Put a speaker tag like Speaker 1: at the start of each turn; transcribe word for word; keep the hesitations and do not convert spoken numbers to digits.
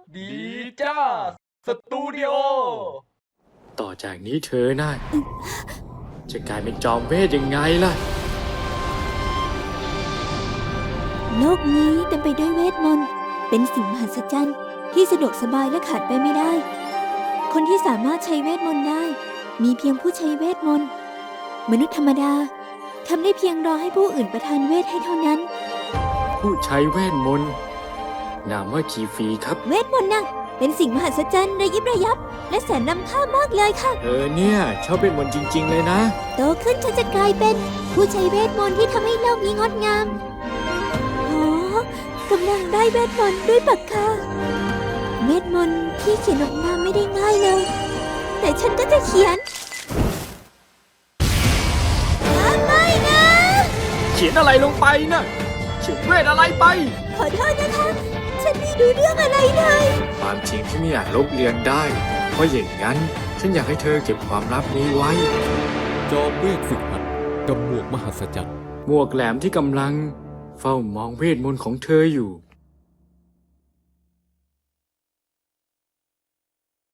Speaker 1: ดีจ้าสตูดิโอ
Speaker 2: ต่อจากนี้เธอน่ะจะกลายเป็นจอมเวทยังไงล่ะ
Speaker 3: โลกนี้เต็มไปด้วยเวทมนต์เป็นสิ่งมหัศจรรย์ที่สะดวกสบายและขาดไปไม่ได้ คนที่สามารถใช้เวทมนต์ได้มีเพียงผู้ใช้เวทมนต์มนุษย์ธรรมดาทำได้เพียงรอให้ผู้อื่นประทานเวทให้เท่านั้น
Speaker 2: ผู้ใช้เวทมนต์นามว่าคีฟีครับ
Speaker 3: เวทมนต์น่ะเป็นสิ่งมหัศจรรย์ระยิบระยับและแสนล้ำค่ามากเลยค่ะ
Speaker 2: เธอเนี่ยชอบเวทมนต์จริงๆเลยนะ
Speaker 3: โตขึ้นฉันจะกลายเป็นผู้ใช้เวทมนต์ที่ทำให้โลกนี้งดงามโอ้กำลังได้เวทมนต์ด้วยปากกาเวทมนต์ที่เขียนออกมาไม่ได้ง่ายเลยแต่ฉันก็จะเขียนไม่นะ
Speaker 2: เขียนอะไรลงไปนะเขียนเวทอะไรไป
Speaker 3: ขอโทษนะคะฉันไม่รู้เรื่องอะไรเลย
Speaker 2: ความจริงที่ไม่อยากลบเลือนได้เพราะอย่างนั้นฉันอยากให้เธอเก็บความลับนี้ไว้
Speaker 1: จอมเวทฝึกหัดกับหมวกมหัศจรรย์
Speaker 2: หมวกแหลมที่กำลังเฝ้ามองเวทมนต์ของเธออยู่